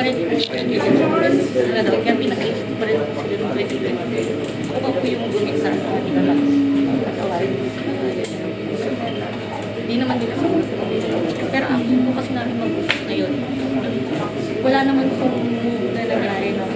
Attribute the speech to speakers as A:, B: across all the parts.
A: rin po kaya pinag-ayos ko pa rin po sila ng president. Ako po yung gumit sa kanila lang. Hindi naman din ako. Pero ang po kasi namin mag-usap ngayon, wala naman pong move na nangyari na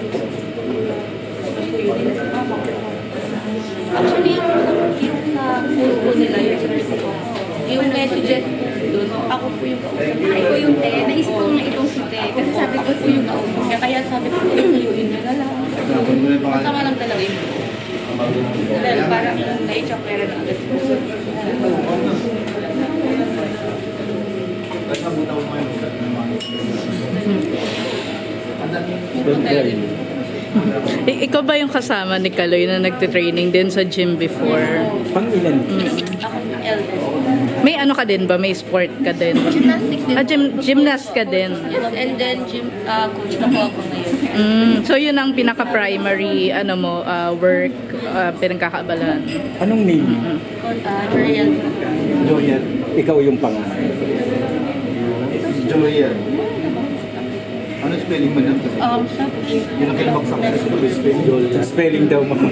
A: actually, yung sa post ko nila, yung messages doon, ako po yung kausap.
B: Ako yung te, naisip ko na itong si te. Kasi sabi ko
A: Po yung kausap. Kaya sabi ko, tuyuin nyo na lang. Masama lang talaga yun. Dahil parang na-i-chokera na agad.
C: Ikaw ba yung kasama ni Kaloy na nagte-training din sa gym before?
D: Pang-ilan?
A: Ako yung eldest.
C: May ano ka din ba? May sport ka din?
A: Gymnastics din.
C: Gymnast ka din?
A: Yes, and then gym coach na po ako ngayon.
C: So yun ang pinaka-primary ano mo, work, pinagkakaabalahan.
D: Anong name?
A: Joriel.
D: Joyel. Ikaw yung pangalan.
E: Joyel. Ano spelling mo na?
A: Sa
E: Yun ang kinabaksak na sa spelling.
D: Spelling daw mo.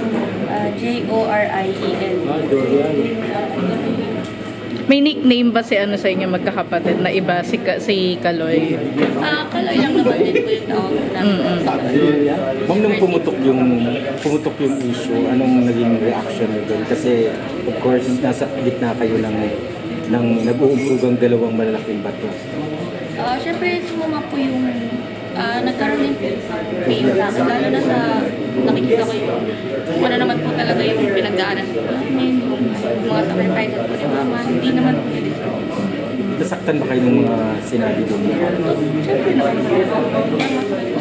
A: Joriel.
C: May nickname ba si ano sa inyo magkakapatid na iba si Kaloy?
A: Kaloy lang naman din po yung tawag namin.
D: Ma'am, nung pumutok yung issue, anong naging reaction mo doon? Kasi, of course, nasa gitna kayo ng nag-uumpugang dalawang malalaking bato.
A: Siyempre, sumama po yung nagkaroon din pain sa akin, lalo na sa nakikita ko yung ano naman po talaga yung pinagdaanan ko namin, yung mga sacrifices po ni Mama, hindi naman po nilistong.
D: Nasaktan ba kayo ng mga sinabi doon?
A: Siyempre naman.